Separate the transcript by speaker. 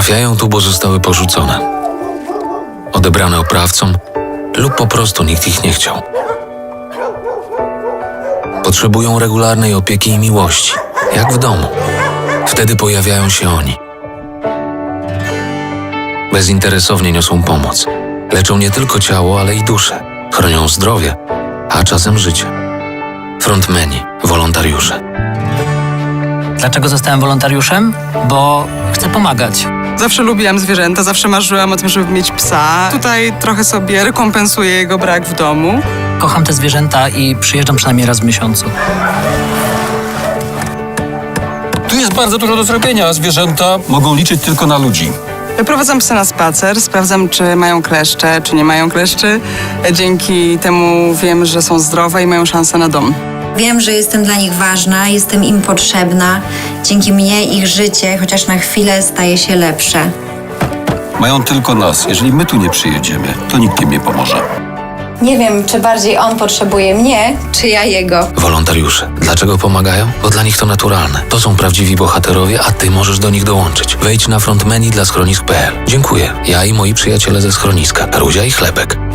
Speaker 1: Trafiają tu, bo zostały porzucone, odebrane oprawcom lub po prostu nikt ich nie chciał. Potrzebują regularnej opieki i miłości, jak w domu. Wtedy pojawiają się oni. Bezinteresownie niosą pomoc. Leczą nie tylko ciało, ale i duszę. Chronią zdrowie, a czasem życie. Frontmeni, wolontariusze.
Speaker 2: Dlaczego zostałem wolontariuszem? Bo chcę pomagać.
Speaker 3: Zawsze lubiłam zwierzęta, zawsze marzyłam o tym, żeby mieć psa. Tutaj trochę sobie rekompensuję jego brak w domu.
Speaker 2: Kocham te zwierzęta i przyjeżdżam przynajmniej raz w miesiącu.
Speaker 4: Tu jest bardzo dużo do zrobienia. Zwierzęta mogą liczyć tylko na ludzi.
Speaker 3: Wyprowadzam psy na spacer, sprawdzam, czy mają kleszcze, czy nie mają kleszczy. Dzięki temu wiem, że są zdrowe i mają szansę na dom.
Speaker 5: Wiem, że jestem dla nich ważna, jestem im potrzebna. Dzięki mnie ich życie, chociaż na chwilę, staje się lepsze.
Speaker 4: Mają tylko nas. Jeżeli my tu nie przyjedziemy, to nikt im nie pomoże.
Speaker 5: Nie wiem, czy bardziej on potrzebuje mnie, czy ja jego.
Speaker 1: Wolontariusze. Dlaczego pomagają? Bo dla nich to naturalne. To są prawdziwi bohaterowie, a ty możesz do nich dołączyć. Wejdź na frontmeni dla schronisk.pl. Dziękuję. Ja i moi przyjaciele ze schroniska. Ruzia i Chlebek.